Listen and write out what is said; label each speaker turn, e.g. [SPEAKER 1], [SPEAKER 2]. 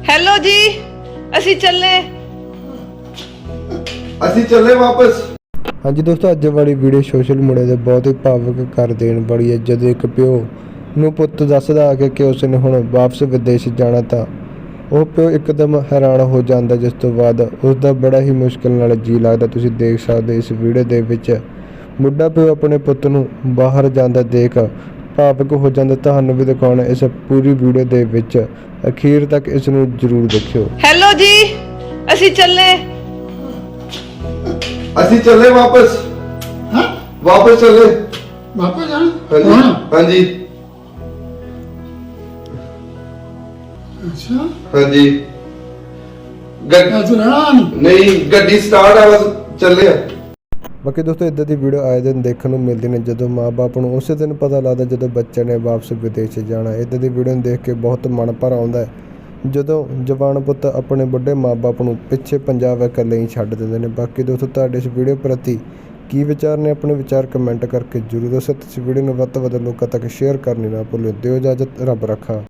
[SPEAKER 1] Hello ਜੀ, ਅਸੀਂ
[SPEAKER 2] ਚੱਲੇ ਵਾਪਸ।
[SPEAKER 3] ਹਾਂਜੀ ਦੋਸਤੋ, ਅੱਜ ਵਾਲੀ ਵੀਡੀਓ ਸੋਸ਼ਲ ਮੀਡੀਆ ਤੇ ਬਹੁਤ ਹੀ ਭਾਵੁਕ ਕਰ ਦੇਣ ਵਾਲੀ ਹੈ। ਜਦੋਂ ਇੱਕ ਪਿਓ ਨੂੰ ਪੁੱਤ ਦੱਸਦਾ ਆ ਕਿ ਉਸ ਨੇ ਹੁਣ ਵਾਪਸ ਵਿਦੇਸ਼ ਜਾਣਾ ਤਾਂ ਉਹ ਪਿਓ ਇੱਕਦਮ ਹੈਰਾਨ ਹੋ ਜਾਂਦਾ, ਜਿਸ ਤੋਂ ਬਾਅਦ ਉਸ ਦਾ ਬੜਾ ਹੀ ਮੁਸ਼ਕਿਲ ਨਾਲ ਜੀ ਲੱਗਦਾ। ਤੁਸੀਂ ਦੇਖ ਸਕਦੇ ਇਸ ਵੀਡੀਓ ਦੇ ਵਿੱਚ ਬੁੱਢਾ ਪਿਓ ਆਪਣੇ ਪੁੱਤ ਨੂੰ ਬਾਹਰ ਜਾਂਦਾ ਦੇਖ ਭਾਵੁਕ ਹੋ ਜਾਂਦਾ। ਤੁਹਾਨੂੰ ਵੀ ਦਿਖਾਉਣਾ ਇਸ ਪੂਰੀ ਵੀਡੀਓ ਦੇ ਵਿੱਚ, ਅਖੀਰ ਤੱਕ ਇਸ ਨੂੰ ਜ਼ਰੂਰ ਦੇਖਿਓ।
[SPEAKER 1] ਹੈਲੋ ਜੀ, ਅਸੀਂ
[SPEAKER 2] ਚੱਲੇ ਵਾਪਸ।
[SPEAKER 4] ਹਾਂ
[SPEAKER 2] ਵਾਪਸ ਚੱਲੇ।
[SPEAKER 4] ਵਾਪਸ ਜਾਣਾ
[SPEAKER 2] ਹਾਂਜੀ
[SPEAKER 4] ਹੁਣ?
[SPEAKER 2] ਹਾਂਜੀ
[SPEAKER 4] ਅੱਛਾ
[SPEAKER 2] ਹਾਂਜੀ।
[SPEAKER 4] ਤੂੰ ਰਹਿਣਾ
[SPEAKER 2] ਨਹੀਂ, ਗੱਡੀ ਸਟਾਰਟ ਆ, ਬਸ ਚੱਲੇ ਆ।
[SPEAKER 3] ਬਾਕੀ ਦੋਸਤੋ, ਇੱਦਾਂ ਦੀ ਵੀਡੀਓ ਆਏ ਦਿਨ ਦੇਖਣ ਨੂੰ ਮਿਲਦੀ ਨੇ, ਜਦੋਂ ਮਾਂ-ਬਾਪ ਨੂੰ ਉਸੇ ਦਿਨ ਪਤਾ ਲੱਗਦਾ ਜਦੋਂ ਬੱਚੇ ਨੇ ਵਾਪਸ ਵਿਦੇਸ਼ ਜਾਣਾ। ਇੱਦਾਂ ਦੀ ਵੀਡੀਓ ਨੂੰ ਦੇਖ ਕੇ ਬਹੁਤ ਮਨ ਭਰ ਆਉਂਦਾ ਹੈ, ਜਦੋਂ ਜਵਾਨ ਪੁੱਤ ਆਪਣੇ ਵੱਡੇ ਮਾਂ-ਬਾਪ ਨੂੰ ਪਿੱਛੇ ਪੰਜਾਬ ਇਕੱਲੇ ਹੀ ਛੱਡ ਦਿੰਦੇ ਨੇ। ਬਾਕੀ ਦੋਸਤੋ, ਤੁਹਾਡੇ ਇਸ ਵੀਡੀਓ ਪ੍ਰਤੀ ਕੀ ਵਿਚਾਰ ਨੇ? ਆਪਣੇ ਵਿਚਾਰ ਕਮੈਂਟ ਕਰਕੇ ਜ਼ਰੂਰ ਦੱਸੋ। ਤੁਸੀਂ ਵੀਡੀਓ ਨੂੰ ਵੱਧ ਤੋਂ ਵੱਧ ਲੋਕਾਂ ਤੱਕ ਸ਼ੇਅਰ ਕਰਨੀ ਨਾ ਭੁੱਲਿਓ। ਦਿਓ ਇਜਾਜ਼ਤ, ਰੱਬ ਰੱਖਾ।